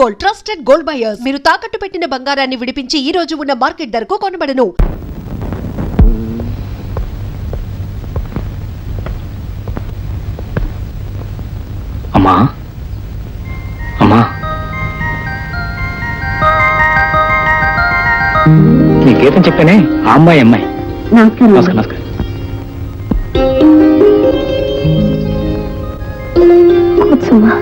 Gold, trusted gold buyers. మీరు తాకట్టు పెట్టిన బంగారాన్ని విడిపించి ఈ రోజు ఉన్న మార్కెట్ ధరకు కొనబడను. అమ్మా అమ్మా, నీ గీతం చెప్పానే ఆ అమ్మాయి. నమస్కారం. నమస్కారం. నమస్కారం. కూర్చోమ్మా.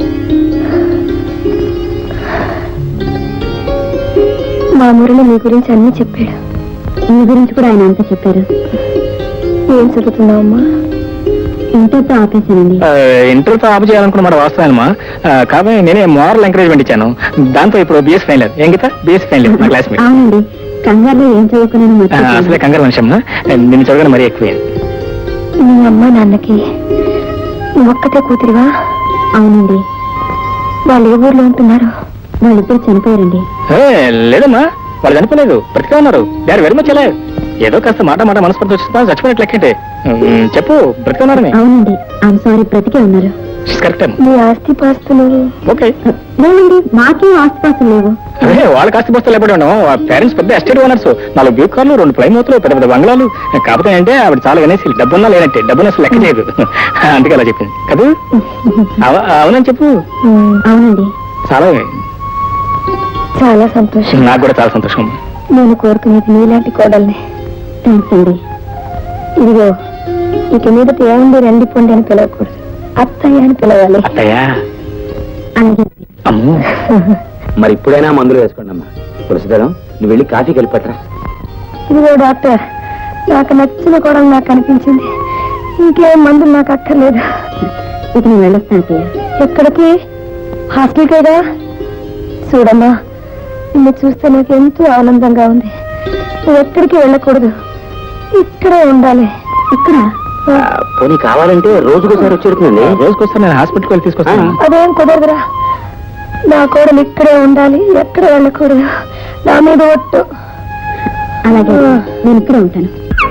మా మురళి మీ గురించి అన్ని చెప్పాడు. మీ గురించి కూడా ఆయన అంతా చెప్పారు. ఏం చదువుతున్నావమ్మా? ఇంటర్తో ఆపేశానండి. ఇంటర్తో ఆపు చేయాలనుకున్నమాట వాస్తవమా? కాబట్టి నేనే మోరల్ ఎంకరేజ్మెంట్ ఇచ్చాను. దాంతో ఇప్పుడు బిఎస్ ఫైనల్. ఏం గీత? బిఎస్ ఫైనల్ మా క్లాస్మేట్. అవునండి. కంగారులో ఏం చదువుకున్నాను అసలే కంగారు మనిషి అమ్మా. నిన్ను చదవగానే మరీ ఎక్కువ. మీ అమ్మ నాన్నకి నువ్వు ఒక్కతే కూతురివా? అవునండి. వాళ్ళు ఏ ఊర్లో ఉంటున్నారు? వాళ్ళిద్దరు చనిపోయారండి. లేదమ్మా, వాళ్ళు చనిపోలేదు, బ్రతికే ఉన్నారు. They are very much alive. ఏదో కాస్త మాట మనస్పర్ధ వచ్చిందా చచ్చిపోయినట్లు లెక్కంటే. చెప్పు, బ్రతికే ఉన్నారని. అవునండి, ఐఎమ్ సారీ, బ్రతికే ఉన్నారు. కరెక్ట్. మీ ఆస్తి పాస్తులు? ఓకే. లేవండి, మాకేం ఆస్తి పాస్తులు లేవు. అదే వాళ్ళకి ఆస్తి పుస్తకాలు ఎప్పుడు ఉండవు. పేరెంట్స్ పెద్ద ఎస్టేట్ ఓనర్స్. 4 బ్యూ కార్లు, 2 ప్లైమూతులు, పెద్ద పెద్ద బంగ్లాలు. కాకపోతే అంటే ఆవిడ చాలా అనేసి డబ్బున్నా లేదంటే డబ్బున అసలు లెక్క చేయదు. అందుకే అలా చెప్పింది కదా. అవునని చెప్పు. అవునండి. చాలా చాలా సంతోషం. నాకు కూడా చాలా సంతోషం. నేను కోరుకునేది మీలాంటి కోడల్ని. థ్యాంక్స్ అండి. ఇదిగో, ఇక మీద ఏముంది రండి పొండి అని పిలవకూడదు, అత్తయ్య అని పిలవాలి. అత్తయ్యా? అలాగే. అమ్మో. మరి ఇప్పుడైనా మందులు వేసుకోండి అమ్మా. తులసిదళం, నువ్వు వెళ్ళి కాఫీకి వెళ్ళిపట్టరా. ఇదిగో డాక్టర్, నాకు నచ్చిన కోడలు నాకు అనిపించింది. ఇంకేం మందులు నాకు అక్కర్లేదు. ఇక నేను వెళ్ళొస్తాను అత్తయ్య. ఎక్కడికి? హాస్టల్ కదా. చూడమ్మా, నిన్ను చూస్తే నాకు ఎంతో ఆనందంగా ఉంది. నువ్వు ఎక్కడికి వెళ్ళకూడదు, ఇక్కడే ఉండాలి. ఇక్కడ పోనీ కావాలంటే రోజుకోసారి వచ్చేడుతుందండి. రోజుకొస్తాను, నేను హాస్పిటల్కి వెళ్ళి తీసుకొస్తాను. అదేం కుదరదురా. నా కోడలు ఇక్కడే ఉండాలి, ఎక్కడ వెళ్ళకూడదు. నా మీద ఒట్టు. అలాగే, నేను ఇక్కడే ఉంటాను.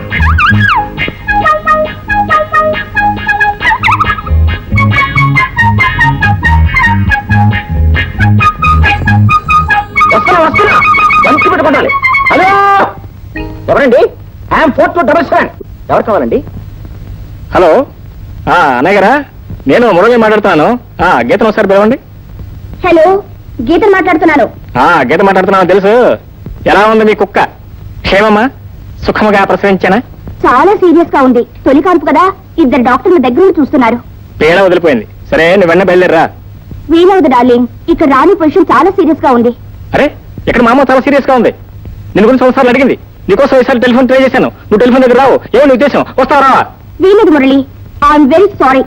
వస్తున్నా మంచి పెట్టుకోవాలి. హలో, ఎవరండి? ఐఎమ్ 4277. ఎవరు కావాలండి? హలో, అన్నయ్య గారా? నేను మురళి మాట్లాడుతున్నాను. గీతను ఒకసారి పిలవండి. హలో, గీత మాట్లాడుతున్నాను. గీత మాట్లాడుతున్నాను తెలుసు. ఎలా ఉంది మీ కుక్క? క్షేమమ్మా? సుఖముగా ప్రసవించానా? చాలా సీరియస్ గా ఉంది. తొలి కాన్పు కదా, 2 డాక్టర్ల దగ్గర చూస్తున్నారు. పీడ వదిలిపోయింది. సరే, నువ్వు వెన్న బయలుదేరరా. వీలవదు డార్లింగ్, ఇక్కడ రాని పొజిషన్ చాలా సీరియస్ గా ఉంది. అరే, ఇక్కడ మా అమ్మ చాలా సీరియస్ గా ఉంది. నేను గురించి ఒకసారి అడిగింది. నీకోసం ఈసారి టెలిఫోన్ ట్రై చేశాను. నువ్వు టెలిఫోన్ దగ్గర రావు. ఏమో నీ ఉద్దేశం? వస్తావా రావా? వీలదు మురళి, ఐఎమ్ వెరీ సారీ.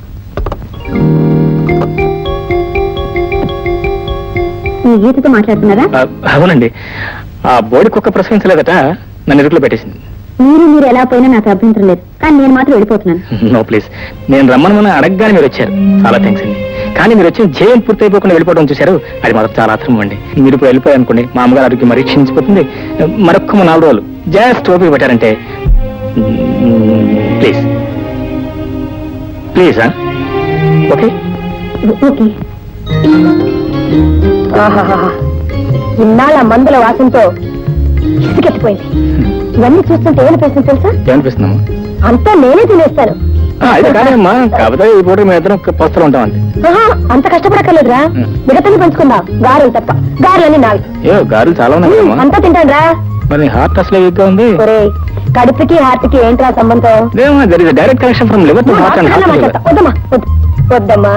మీ గీతతో మాట్లాడుతున్నారా? అవునండి. ఆ బోడి కుక్క ప్రసవించలేదట, నన్ను ఇరుకులో పెట్టేసింది. మీరు ఎలా పోయినా నాకు అభ్యంతరం లేదు, కానీ నేను మాత్రం వెళ్ళిపోతున్నాను. నో ప్లీజ్, నేను రమ్మని అడగగానే మీరు వచ్చారు. చాలా థ్యాంక్స్ అండి. కానీ మీరు వచ్చిన జయం పూర్తయిపోకుండా వెళ్ళిపోవడం చూశారు, అది మాత్రం చాలా అర్థం అండి. మీరు ఇప్పుడు వెళ్ళిపోయారనుకోండి, మా అమ్మగారు ఆరోగ్యం మరీ క్షీణించిపోతుంది. మరొక్క 4 రోజులు జస్ట్ ఓపిక పెట్టారంటే ప్లీజ్ ప్లీజ్. Okay okay. ఇన్నాళ్ళ మందుల వాసనతో ఇసుకెత్తిపోయింది. ఇవన్నీ చూస్తుంటే ఏమనిపిస్తుంది తెలుసా? ఏమనిపిస్తున్నాము? అంతా నేనే తినేస్తాను. అయితే కాదమ్మా, కాకపోతే ఈ పూట మేము ఇద్దరం పస్తులు ఉంటామండి. అంత కష్టపడక్కర్లేదురా, మిగతాన్ని పంచుకుందాం. గారెలు తప్ప, గారెలన్నీ నావి. గారెలు చాలా ఉన్నాయి. అంతా తింటాను రా. మరి హార్ట్ అసలు వీక్గా ఉంది. కడుపుకి హార్ట్కి ఏంట్రా సంబంధం? Direct connection from liver to heart and heart. వద్దమ్మా, వద్దమ్మా.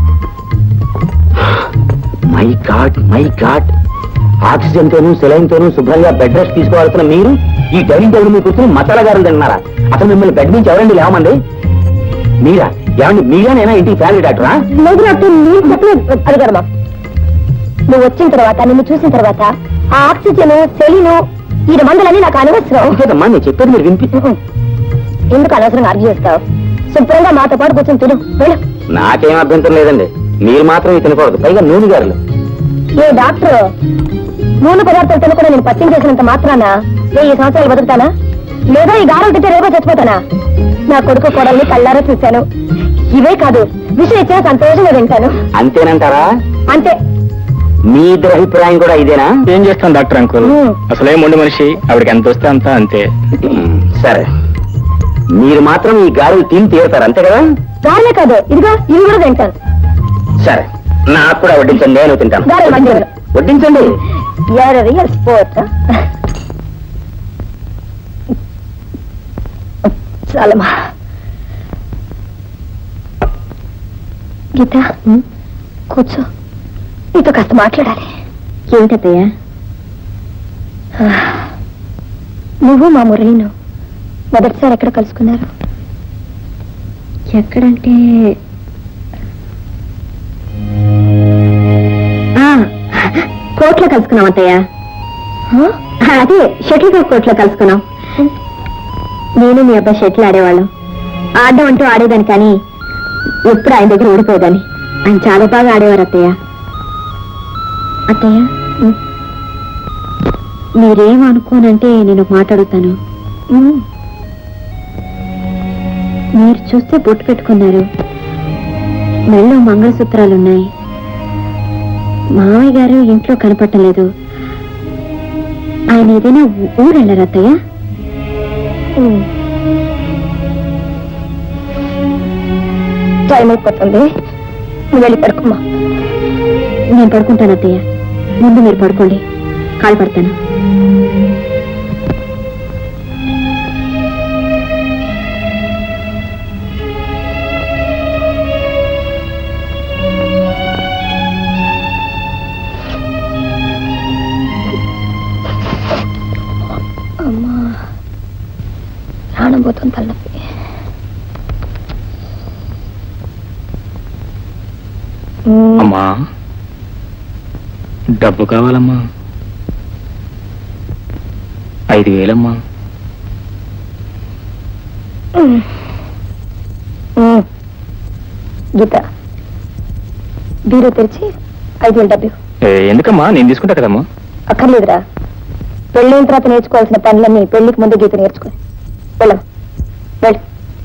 My god, my god. Oxygen తోనూ సెలైన్ తోనూ శుభ్రంగా బెడ్ రెస్ట్ తీసుకోవాల్సిన మీరు ఈ డైనింగ్ టేబుల్ మీద కూర్చొని మసాలా గారులు తిన్నారా? అసలు మిమ్మల్ని బెడ్ నుంచి ఎవరండి లేవమండి? మీరా? ఏమండి మీరేనైనా ఇంటికి ఫ్యామిలీ డాక్టరా? లేదు డాక్టర్, నేను చెప్పలేదు. అది కదమ్మా, నువ్వు వచ్చిన తర్వాత, నిన్ను చూసిన తర్వాత ఆ ఆక్సిజన్ సెలీను ఈ మందులన్నీ నాకు అనవసరం. లేదమ్మా, నేను చెప్పేది మీరు వినిపి. ఎందుకు అనవసరంగా ఆర్గ్యూ చేస్తావు? శుభ్రంగా మాతో పాటు కూర్చొని తిను. వెళ్ళు. నాకేం అభ్యంతరం లేదండి, మీరు మాత్రం తినకూడదు, పైగా నూనె గారులు. ఏ డాక్టర్, నూనె పదార్థాలు తినకుండా నేను పచ్చం చేసినంత మాత్రాన 1000 సంవత్సరాలు బతుకుతానా? లేదా ఈ గారం తింటే రేపో చచ్చిపోతానా? నా కొడుకు కోడల్ని కళ్ళారా చూశాను. ఇవే కాదు, విషయం ఇచ్చినా సంతోషంగా తింటాను. అంతేనంటారా? అంతే. మీ ఇద్దరి అభిప్రాయం కూడా ఇదేనా? ఏం చేస్తాం డాక్టర్ అంకుల్, అసలే మొండి మనిషి, ఆవిడకి ఎంత వస్తే అంత అంతే. సరే, మీరు మాత్రం ఈ గారెలు తిని తీరుతారు అంతే కదా? గారెలే కాదు, ఇదిగో ఇవి కూడా తింటాను. సరే, నాకు కూడా వడ్డించండి, నేను తింటాను. గారెలు మంచిగా వడ్డించండి. Real sport. చాలమ్మా. గీత, కూర్చో, నీతో కాస్త మాట్లాడాలి. ఏమిటయ్యా? నువ్వు మా మురళిను మొదటిసారి ఎక్కడ కలుసుకున్నారు? ఎక్కడంటే కోర్టులో కలుసుకున్నాం అత్తయ్య. అదే షటిల్ కోర్టులో కలుసుకున్నాం. నేను మీ అబ్బాయి షటిల్ ఆడేవాళ్ళం. ఆడడం అంటూ ఆడేదాన్ని, కానీ ఎప్పుడు ఆయన దగ్గర ఓడిపోయేదాన్ని. ఆయన చాలా బాగా ఆడేవారు అత్తయ్య. అత్తయ్య, మీరేమనుకోనంటే నేను మాట్లాడుతాను. మీరు చూస్తే బొట్టు పెట్టుకున్నారు, మెళ్ళో మంగళసూత్రాలున్నాయి. మామయ్య గారు ఇంట్లో కనపట్టలేదు. ఆయన ఏదైనా ఊరు వెళ్ళారు అత్తయ్య? టైం అయిపోతుంది, నువ్వు వెళ్ళి పడుకోమ్మా. నేను పడుకుంటాను అత్తయ్య, ముందు మీరు పడుకోండి, కాలు పడతాను. అమ్మా, ప్రాణం పోతుంది, తలనొప్పి. అమ్మా, డబ్బు కావాలమ్మా. 5,000 గీత, బీరో తెరిచి 5,000 డబ్బు. ఎందుకమ్మా, నేను తీసుకుంటా కదమ్మా. అక్కర్లేదురా, పెళ్ళైన తర్వాత నేర్చుకోవాల్సిన పనులన్నీ పెళ్లికి ముందు గీత నేర్చుకుని వెళ్ళమ్మా, వెళ్ళు.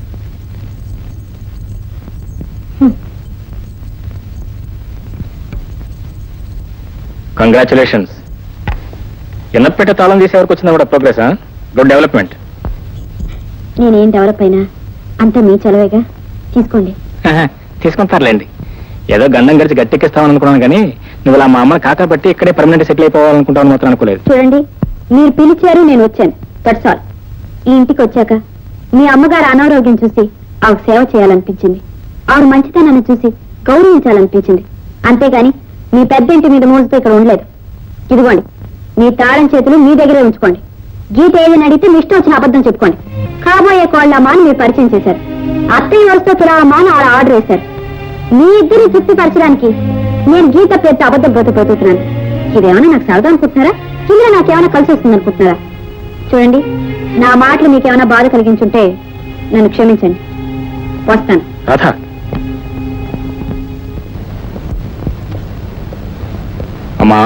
కంగ్రాచులేషన్స్. ఎన్నపేట తాళం తీసే వరకు వచ్చిందా కూడా ప్రోగ్రెస్. Good development. నేనేం డెవలప్ అయినా అంతా మీ చలవేగా, తీసుకోండి. తీసుకుంటారులేండి. ఏదో గండం గడిచి గట్టెక్కిస్తామని అనుకున్నాను, కానీ నువ్వు ఇలా మా అమ్మని కాకా బట్టి ఇక్కడే పర్మనెంట్ సెటిల్ అయిపోవాలనుకుంటాను మాత్రం అనుకోలేదు. చూడండి, మీరు పిలిచారు, నేను వచ్చాను, దట్స్ ఆల్. ఈ ఇంటికి వచ్చాక మీ అమ్మగారు అనారోగ్యం చూసి ఆవిడ సేవ చేయాలనిపించింది, ఆవిడ మంచితనాన్ని చూసి గౌరవించాలనిపించింది. అంతేగాని మీ పెద్ద ఇంటి మీద మోజుతో ఇక్కడ ఉండలేదు. ఇదిగోండి, మీ తాళం చేతులు మీ దగ్గరే ఉంచుకోండి. గీత ఏదైనా అడిగితే మీ ఇష్టం వచ్చిన అబద్ధం చెప్పుకోండి. కాబోయే కోళ్ళమ్మా అని మీరు పరిచయం చేశారు. అత్తయ్య వరుసతో తులామా అని ఆవిడ ఆర్డర్ వేశారు. మీ ఇద్దరిని తృప్తిపరచడానికి నేను గీత పేరుతో అబద్ధం బ్రతపోతున్నాను. ఇదేమైనా నాకు సరదా అనుకుంటున్నారా? ఇందులో నాకేమైనా కలిసి వస్తుంది అనుకుంటున్నారా? చూడండి, నా మాటలు మీకేమైనా బాధ కలిగించుంటే నన్ను క్షమించండి. వస్తాను. అమ్మా,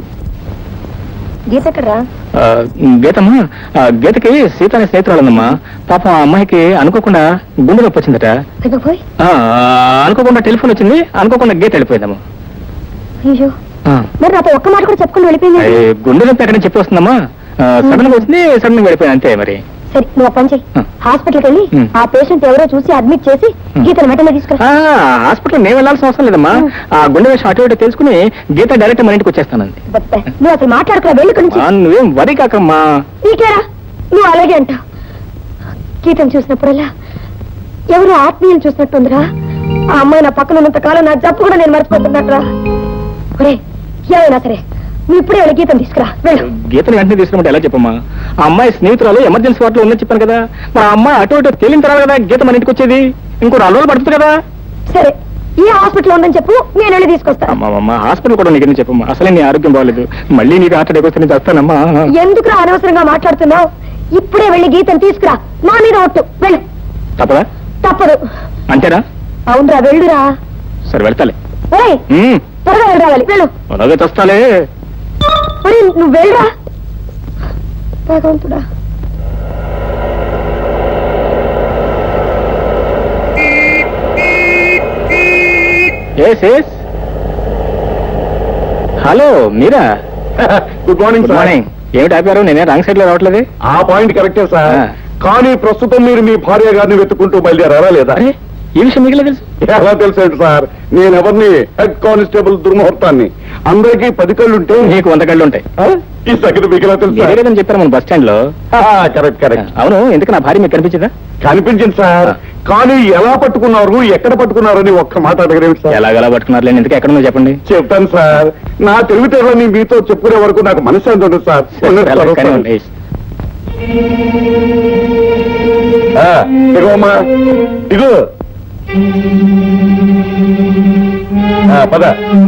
గీత ఎక్కడరా? గీతమ్మా, గీతకి సీత అనే స్నేహితురాలు ఉందమ్మా. పాపం ఆ అమ్మాయికి అనుకోకుండా గుండె నొప్పి వచ్చిందట. అనుకోకుండా టెలిఫోన్ వచ్చింది, అనుకోకుండా గీత వెళ్ళిపోయిందమ్మా. అయ్యో, మరి నాతో ఒక్క మాట కూడా చెప్పుకుని వెళ్ళిపోయింది. గుండె నొప్పి ఎక్కడని చెప్పి వస్తుందమ్మా. సడన్ గా వచ్చింది, సడన్ గా వెళ్ళిపోయింది అంతే. మరి సరే, నువ్వు పని చెయ్యి, హాస్పిటల్కి వెళ్ళి ఆ పేషెంట్ ఎవరో చూసి అడ్మిట్ చేసి గీతను వెంటనే తీసుకురా. హాస్పిటల్ నేను వెళ్ళాల్సిన అవసరం లేదమ్మా. ఆ గుండె విషయం అటు ఇటు తెలుసుకుని గీత డైరెక్ట్ మన ఇంటికి వచ్చేస్తానండి. నువ్వు అసలు మాట్లాడుకున్నా, వెళ్ళి నుంచి. నువ్వేం వరి కాకమ్మా. నీకేరా, నువ్వు అలాగే అంటావు. గీతను చూసినప్పుడల్లా ఎవరు ఆత్మీయులు చూసినట్టుందిరా. ఆ అమ్మాయి నా పక్కన ఉన్నంత కాలం నా జబ్బు కూడా నేను మర్చిపోతున్నట్రా. ఒరే, ఏమైనా సరే నువ్వు ఇప్పుడే వెళ్ళి గీతను తీసుకురా, వెళ్ళు. గీతను వెంటనే తీసుకున్నట్టు ఎలా చెప్పమ్మా? ఆ అమ్మాయి స్నేహితురాలు ఎమర్జెన్సీ వార్డులో ఉందని చెప్పాను కదా. మా అమ్మాయి అటు ఇటు తేలిన తర్వాత కదా గీత మన ఇంటికి వచ్చేది. ఇంకో 4 రోజులు పడుతుంది కదా. సరే, ఈ హాస్పిటల్ ఉందని చెప్పు, నేను వెళ్ళి తీసుకొస్తాను. అమ్మా, హాస్పిటల్ కూడా నీకు చెప్పమ్మా. అసలే నీ ఆరోగ్యం బాగలేదు, మళ్ళీ నీకు హార్ట్ అటాక్ వస్తే నేను చేస్తానమ్మా. ఎందుకు అనవసరంగా మాట్లాడుతున్నావు? ఇప్పుడే వెళ్ళి గీతను తీసుకురా, నా మీద ఒట్టు, వెళ్ళు. తప్పదా? తప్పదు. అంతేనా? అవునరా, వెళ్ళురా. సరే, వెళ్తాలే. త్వరగా వెళ్ళరావాలి, వెళ్ళు. అలాగే తెస్తాలే. నువ్వు వెళ్ళరా. భగవంతుడా. హలో మీరా? Good morning good sir. Morning. ఏమిటి ఆపారు? నేనే రాంగ్ సైడ్ లో రావట్లేదు. ఆ పాయింట్ కరెక్టే సార్. ఆ. కానీ ప్రస్తుతం మీరు మీ భార్య గారిని వెతుక్కుంటూ బయలుదేరారా లేదా? అరే ఈ విషయం మీకు తెలుసు? ఎలా తెలుసండి సార్? నేను ఎవరిని హెడ్ కానిస్టేబుల్ దుర్ముహూర్తాన్ని. అందరికీ 10 కళ్ళుంటే మీకు 100 కళ్ళు ఉంటాయి. ఈ సంగతి మీకు ఎలా తెలుసు? మీరే కదని చెప్పారు మన బస్ స్టాండ్ లో. కరెక్ట్ కరెక్ట్ అవును, ఎందుకు నా భార్య మీకు కనిపించదా? కనిపించింది సార్. ఆ. కానీ ఎలా పట్టుకున్నారు, ఎక్కడ పట్టుకున్నారు అని ఒక్క మాట అడగరేమిటి సార్? ఎలాగలా పట్టుకున్నారు? ఎందుకు ఎక్కడ ఉందో చెప్పండి. చెప్తాను సార్. నా తెలివితేటలని మీతో చెప్పుకునే వరకు నాకు మనశ్శాంతి ఉంటుంది సార్. కానీ ఉంది. ఇగోమ్మా ఇగో. పద.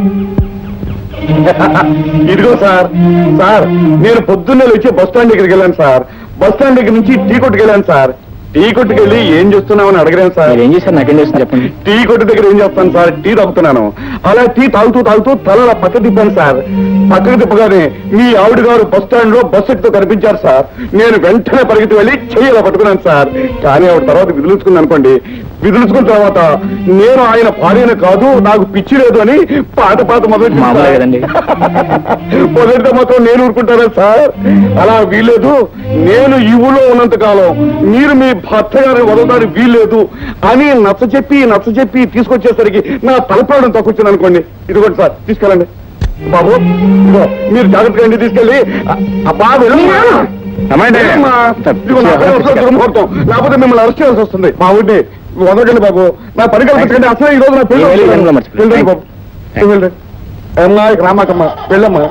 ఇదిగో సార్. సార్ నేను పొద్దున్నే లేచి బస్ స్టాండ్ దగ్గరికి వెళ్ళాను సార్. బస్ స్టాండ్ దగ్గర నుంచి టీ కొట్టుకు వెళ్ళాను సార్. టీ కొట్టుకు వెళ్ళి ఏం చేస్తున్నామని అడగలేను సార్. మీరు ఏం చేశారు? నాకేం చేస్తుంది చెప్పండి. టీ కొట్టు దగ్గర ఏం చేస్తాను సార్? టీ తాగుతున్నాను. అలా టీ తాగుతూ తాగుతూ తల పక్క తిప్పాను సార్. పక్కకు తిప్పగానే మీ ఆవిడ గారు బస్ స్టాండ్ లో బస్ ఎక్కితో కనిపించారు సార్. నేను వెంటనే పరిగెత్తి వెళ్ళి చెయ్యి ఇలా పట్టుకున్నాను సార్. కానీ ఆవిడ తర్వాత విదిలించుకుంది అనుకోండి. విదిలించుకున్న తర్వాత నేను ఆయన భార్యను కాదు, నాకు పిచ్చి లేదు అని పాట మామూలే కదండి. మొదటితో మాత్రం నేను ఊరుకుంటారా సార్? అలా వీల్లేదు. నేను ఈ ఊళ్ళో ఉన్నంత కాలం మీరు మీ భర్త గారిని వదలడానికి వీల్లేదు అని నచ్చ చెప్పి తీసుకొచ్చేసరికి నా తలపడం తక్కువచ్చింది అనుకోండి. ఇదిగోండి సార్, తీసుకెళ్ళండి బాబు. ఇదిగో మీరు జాగ్రత్తగా ఇంటికి తీసుకెళ్ళి అబ్బా వెళ్ళమ్మా. వెళ్ళమ్మా. ఇదిగో నా పైన వస్తుంది దుర్ముహూర్తం. లేకపోతే మిమ్మల్ని అరెస్ట్ చేయాల్సి వస్తుంది. మా ఊరిని వదలకండి బాబు. నా పని కల్పించకండి. అసలే ఈ రోజు నా పెళ్లి. వెళ్ళండి బాబు, వెళ్ళండి. అమ్మా ఇక రామాకమ్మా, వెళ్ళమ్మా.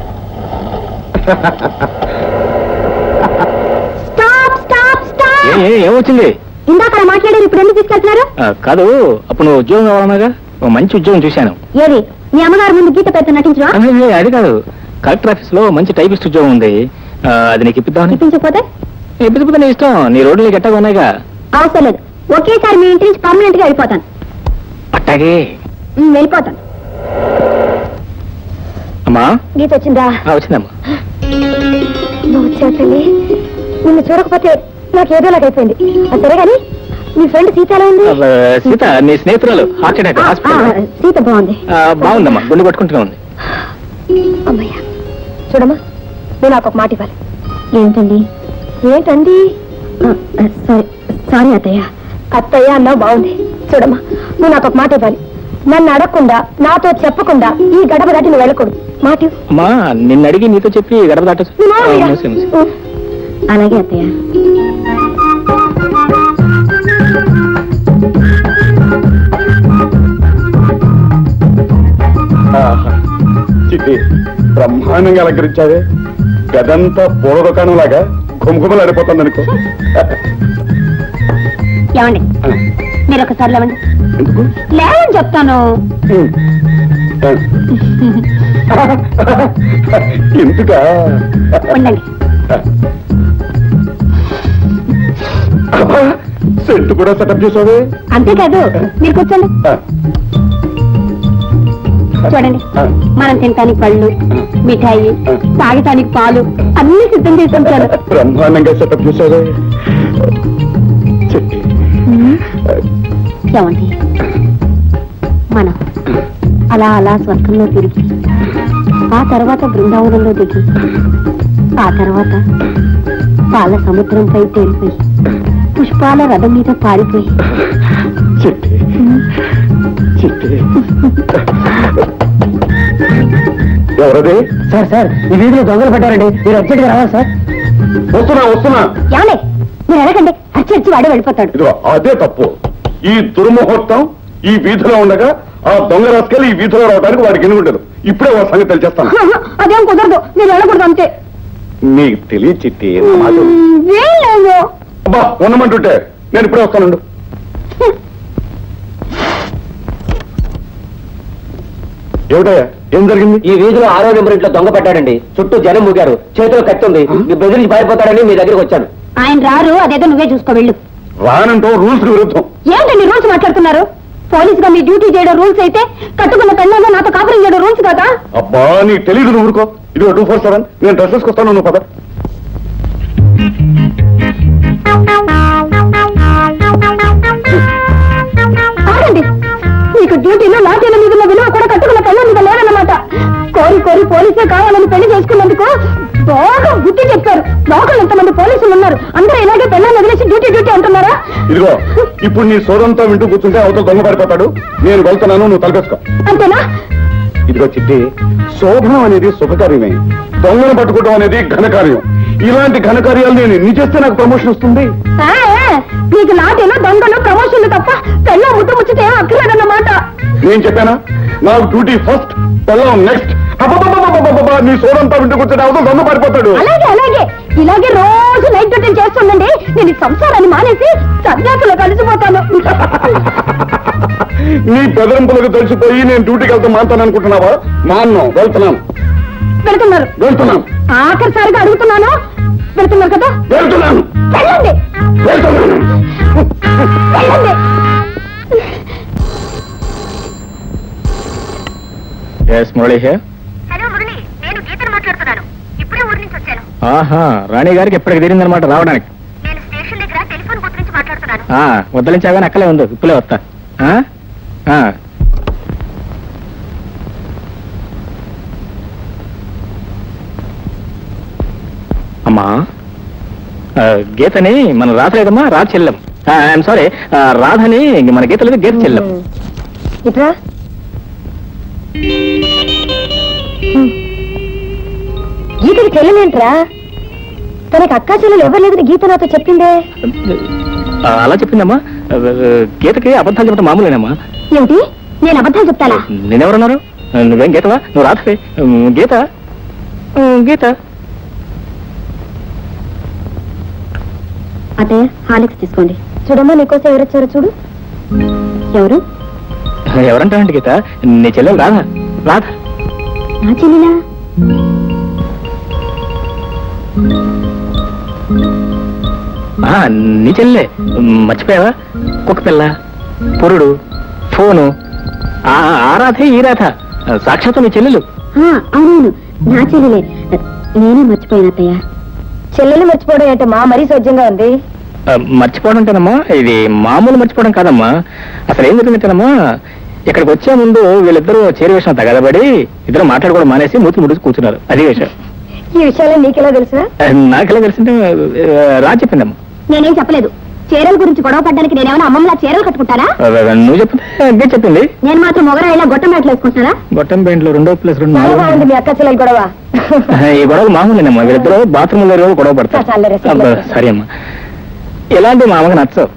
ఏమొచ్చింది? ఇందాక మాట్లాడారు, ఇప్పుడు ఎందుకు తీసుకెళ్తున్నారు? కాదు, అప్పుడు నువ్వు ఉద్యోగం కావాలన్నాగా, ఓ మంచి ఉద్యోగం చూశాను. ఏది? మీ అమ్మగారు ముందు గీత పెద్ద నటించరా? అది కాదు, కలెక్టర్ ఆఫీస్ లో మంచి టైపిస్ట్ ఉద్యోగం ఉంది. అది నీకు ఇప్పిద్దామని. ఇప్పించకపోతే? ఇప్పిపోతే నీ ఇష్టం. నీ రోడ్లు గట్టగా ఉన్నాయిగా. అవసరం లేదు. ఒకేసారి మీ ఇంటి నుంచి పర్మనెంట్ గా వెళ్ళిపోతాను. అట్టాగే వెళ్ళిపోతాను. అమ్మా గీత వచ్చిందా? వచ్చిందమ్మా. నువ్వు వచ్చావు తల్లి. నిన్ను చూడకపోతే నాకు ఏదోలాగైపోయింది. అది సరే గాని మీ ఫ్రెండ్ సీత ఎలా ఉంది? సీత నీ స్నేహితురాలు హార్ట్ అటాక్ హాస్పిటల్. సీత బాగుంది. బాగుందమ్మా, గుండె కొట్టుకుంటూనే ఉంది. అమ్మయ్య, చూడమ్మా, నువ్వు నాకు ఒక మాట ఇవ్వాలి. ఏంటండి? ఏంటండి? సారీ అత్తయ్య. అత్తయ్య అన్నావు బాగుంది. చూడమ్మా, నువ్వు నాకు ఒక మాట ఇవ్వాలి. నన్ను అడగకుండా, నాతో చెప్పకుండా ఈ గడప దాటి నువ్వు వెళ్ళకూడదు. మాట ఇవ్వు. అమ్మా, నిన్ను అడిగి నీతో చెప్పి గడప దాట. అలాగే అత్తయ్య. చిట్టి, బ్రహ్మాండంగా అలంకరించావే. గదంతా పూల దుకాణం లాగా ఘుమఘుమలు ఆడిపోతుంది అనుకో. ఏమండి, మీరు ఒకసారి లేవండి. ఎందుకు? లేవని చెప్తాను. ఎందుకా? ఉండండి. సెట్ కూడా సెటప్ చేసావే. అంతేకాదు, మీరు కూర్చోండి. చూడండి, మనం తినటానికి పళ్ళు, మిఠాయి, తాగటానికి పాలు అన్ని సిద్ధం చేసి ఉంచాను. బ్రహ్మాండంగా సెటప్ చేసావే. చెట్టి, ఏమండి, మనం అలా అలా స్వర్గంలో తిరిగి, ఆ తర్వాత బృందావనంలో దిగి, ఆ తర్వాత పాల సముద్రంపై తేలిపోయి, పుష్పాల రథం మీద పారిపోయి. చెట్టి, చెట్టి. ఎవరది? సార్ ఈ వీధిలో దొంగలు పడ్డారండి, మీరు అర్జెంట్ గా రావాలి సార్. వస్తున్నా. ఏమండి, మీరు అడగండి, అచ్చి వాడే వెళ్ళిపోతాడు. ఇదిగో అదే తప్పు. ఈ దుర్ముహూర్తం ఈ వీధిలో ఉండగా ఆ దొంగ రాసుకెళ్ళి ఈ వీధిలో రావడానికి వాడికి ఎన్ని ఉండదు. ఇప్పుడే వాడి సంగతి తెలిచేస్తాను. అదేం కుదరదు, మీరు వెళ్ళకూడదు అంతే. నీకు తెలియ చిట్టి. వీళ్ళేమో. అబ్బా, ఉండమంటుంటే నేను ఇప్పుడే వస్తానండు. ఏమిటయ్యా, ఏం జరిగింది? ఈ వీధిలో 6వ నెంబర్ ఇంట్లో దొంగ పట్టాడండి. చుట్టూ జనం మూగారు, చేతిలో కత్తి ఉంది. మీ బెదిరించి పారిపోతాడని మీ దగ్గరికి వచ్చాను. ఆయన రారు, అదేదో నువ్వే చూసుకో వెళ్ళు. రానంటూ రూల్స్ విరుద్ధం. ఏంటండి రూల్స్ మాట్లాడుతున్నారు? పోలీస్ గా మీ డ్యూటీ చేయడం రూల్స్ అయితే, కట్టుకున్న పెళ్ళంగా నాతో కాపురం చేయడం రూల్స్ కదా? అబ్బా, నీకు తెలీదు, నువ్వు ఊరుకో. ఇదిగో 247, నేను డ్రెస్ వేసుకొస్తాను, నువ్వు పద. ఆగండి, నీకు డ్యూటీలో లాఠీల మీద ఉన్న విలువ కూడా కట్టుకున్న పెళ్ళ మీద లేదన్నమాట. కోరి కోరి పోలీసే కావాలని పెళ్లి చేసుకున్నందుకు బాగా బుద్ధి చెప్పారు. లోకల్ ఎంతమంది పోలీసులు ఉన్నారు, అందరూ ఇలాగే పెళ్ళాన్ని వదిలేసి డ్యూటీ డ్యూటీ అంటున్నారా? ఇదిగో ఇప్పుడు నీ సోదంతా వింటూ కూర్చుంటే అవతల దొంగ పడిపోతాడు. నేను వెళ్తున్నాను, నువ్వు తలపేసుకో. అంతేనా? ఇదిగో చిట్టి, శోభనం అనేది శుభకార్యమే, దొంగను పట్టుకోవడం అనేది ఘనకార్యం. ఇలాంటి ఘనకార్యాలు నేను ఎన్ని చేస్తే నాకు ప్రమోషన్ వస్తుంది? నీకు లాఠీలు దొంగలు ప్రమోషన్లు తప్ప పెళ్ళ ముట్టు ముచ్చితే ఏం అక్కర్లేదన్నమాట. నేను చెప్పానా, నాకు డ్యూటీ ఫస్ట్, పెళ్ళం నెక్స్ట్. నీ సోదంతా వింటూ కూర్చుంటే అవతల దొంగ పడిపోతాడు. అలాగే అలాగే ఇలాగే రోజు నైట్ డ్యూటీ చేస్తుండండి. నేను ఈ సంసారాన్ని మానేసి సన్యాసులో కలిసిపోతాను. నీ బెదరింపులకు తెలిసిపోయి నేను డ్యూటీకి వెళ్తా మానుతాను అనుకుంటున్నావా? మాన్నం, వెళ్తున్నాను. వెళ్తున్నాను. ఆఖరిసారిగా అడుగుతున్నాను, వెళ్తున్నారు కదా? వెళ్తున్నాను. వెళ్ళండి వెళ్తున్నాను. వెళ్ళండి. Yes Murali here. Hello Murali, నేను గీతను మాట్లాడుతున్నాను. ఇప్పుడే ఊరి నుంచి వచ్చాను. ఆహా, రాణి గారికి ఎప్పటికి తీరిందనమాట రావడానికి. నేను స్టేషన్ దగ్గర టెలిఫోన్ బూత్ నుంచి మాట్లాడుతున్నాను. వద్దలించాగానే అక్కలే ఉంది, ఇప్పులే వస్తా. అమ్మా, గీతని మన రాధ లేదమ్మా, రాధ చెల్లెం. ఐఎమ్ సారీ, రాధని మన గీత లేదు, గీత చెల్లెం. ఇట్రా. గీతకి చెల్లెలేంట్రా? తనకి అక్కా చెల్లెలు ఎవరు లేదని గీత నాతో చెప్పిందే. అలా చెప్పిందమ్మా. గీతకి అబద్ధాలు చెప్పడం మామూలేనమ్మా. ఏమిటి, నేను అబద్ధాలు చెప్తానా? నేనెవరన్నారు? నువ్వేం గీతవా? నువ్వు రాధవే. గీత గీత. అదే హాలిక్స్ తీసుకోండి. చూడమ్మా, నీకోసం ఎవరొచ్చారో చూడు. ఎవరు? ఎవరంటావండి గీత? నీ చెల్లెలు రాధ. రాధ నా చెల్లినా? నీ చెల్లె. మర్చిపోయావా? కుక్క పిల్ల, పురుడు, ఫోను, ఆ రాధే ఈ రాధ, సాక్షాత్తు నీ చెల్లెలు. అవును, నా చెల్లెలే. నేనే మర్చిపోయాను అత్తయ్య. చెల్లెలు మర్చిపోవడం ఏంటో మా మరీ సౌజ్యంగా ఉంది. మర్చిపోవడం అంటేనమ్మా, ఇది మామూలు మర్చిపోవడం కాదమ్మా. అసలు ఏం జరిగిందంటేనమ్మా, ఇక్కడికి వచ్చే ముందు వీళ్ళిద్దరూ చేరి విషయం తగదబడి ఇద్దరు మాట్లాడుకోవడం మానేసి మూతి ముడిచి కూర్చున్నారు. అది విషయం. ఈ విషయాలు నీకెలా తెలుసా? నాకెలా తెలిసింటే రా చెప్పిందమ్మా. నేనేం చెప్పలేదు. చీరల గురించి గొడవ పడ్డానికి నేనేమైనా అమ్మమ్మలా చీరలు కట్టుకుంటానా? నువ్వు చెప్తే చెప్పింది. నేను మాత్రం మొగరా ఇలా గొట్టం బ్యాట్లు వేసుకుంటారా? గొట్టం పెయింట్లు 2+2 మీ అక్క చెల్లెలు గొడవ. ఈ గొడవలు మామూలేనమ్మా. వీళ్ళిద్దరు బాత్రూమ్ లో గొడవ పడతారు. సరే అమ్మా, ఎలాంటి మా అమ్మకి నచ్చవు.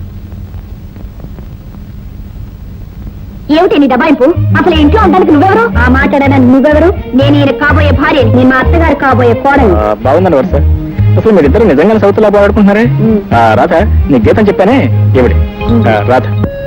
ఏమిటి నీ దబాయింపు? అసలు ఇంట్లో ఉండడానికి నువ్వెవరు? ఆ మాట్లాడడానికి నువ్వెవరు? నేను ఈయన కాబోయే భార్య, నేను మా అత్తగారు కాబోయే కోడలు. బాగుందండి వరుస. అసలు మీరిద్దరు నిజంగానే సౌతులా పోగొట్టుకుంటున్నారే. రాధ, నీ గీతం చెప్పానే ఏమిటి? రాధ,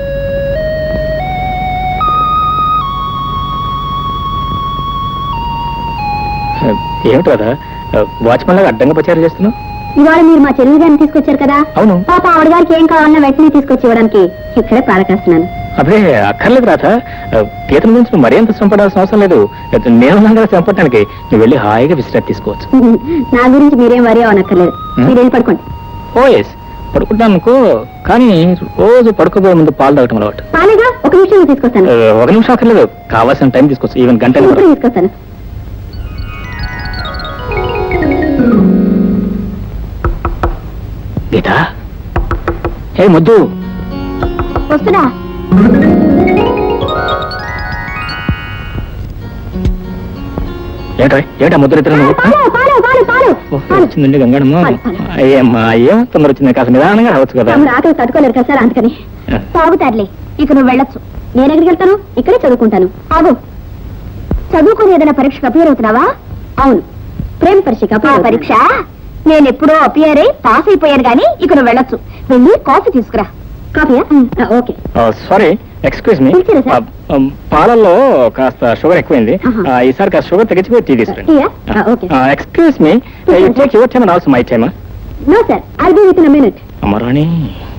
ఏమిటి రాధ వాచ్మెన్ లాగా అడ్డంగా ప్రచారం చేస్తున్నావు? ఇవాళ మీరు మా చెల్లి గారిని తీసుకొచ్చారు కదా. అవును. పాప ఆవిడ గారికి ఏం కావాలన్నా వెంటనే తీసుకొచ్చి ఇవ్వడానికి ఇక్కడే పాలకేస్తున్నాను. అదే అక్కర్లేదు రాధ, గీతం గురించి నువ్వు మరీ అంత శ్రమపడాల్సిన అవసరం లేదు. నేను కదా శ్రమపడటానికి. నువ్వు వెళ్ళి హాయిగా విశ్రాంతి తీసుకోవచ్చు. నా గురించి మీరేం వరి అవనక్కర్లేదు. మీరు వెళ్ళి పడుకోండి. ఓ ఎస్, పడుకుంటాను అనుకో, కానీ రోజు పడుకోబోయే ముందు పాలు తాగటం అలవాటు. పాలేగా, ఒక నిమిషం తీసుకొస్తాను. ఒక నిమిషం అక్కర్లేదు, కావాల్సిన టైం తీసుకోవచ్చు. ఈవెన్ గంటలు ఇప్పుడు తీసుకొస్తాను. గీత, ఏ ముద్దు వస్తున్నా. ఏటా ముద్దు ఇద్దరు నువ్వు? వచ్చిందండి గంగడమ్మ. అయ్యమ్మా, ఏం తొందర వచ్చింది? కాస్త నిదానంగా రావచ్చు కదా. ఆకలి తట్టుకోలేరు కదా సార్, అందుకని. తాగుతారులే, ఇక నువ్వు వెళ్ళొచ్చు. నేను ఎక్కడికి వెళ్తాను? ఇక్కడే చదువుకుంటాను. ఆగు, చదువుకుని ఏదైనా పరీక్షకు అపియర్ అవుతున్నావా? అవును, ప్రేమ పరీక్ష. నేను ఎప్పుడో అపియర్ అయి పాస్ అయిపోయాను గానీ ఇక నువ్వు వెళ్ళొచ్చు. వెళ్ళి కాఫీ తీసుకురా. కాఫీయా? ఓకే. సారీ, ఎక్స్క్యూజ్ మీ, పాలల్లో కాస్త షుగర్ ఎక్కువైంది. ఈసారి కాస్త షుగర్ తగ్గించి టీ తీసుకురండి. Excuse me, you take your time and also my time. No sir, I'll be with in a minute. అమరాణి.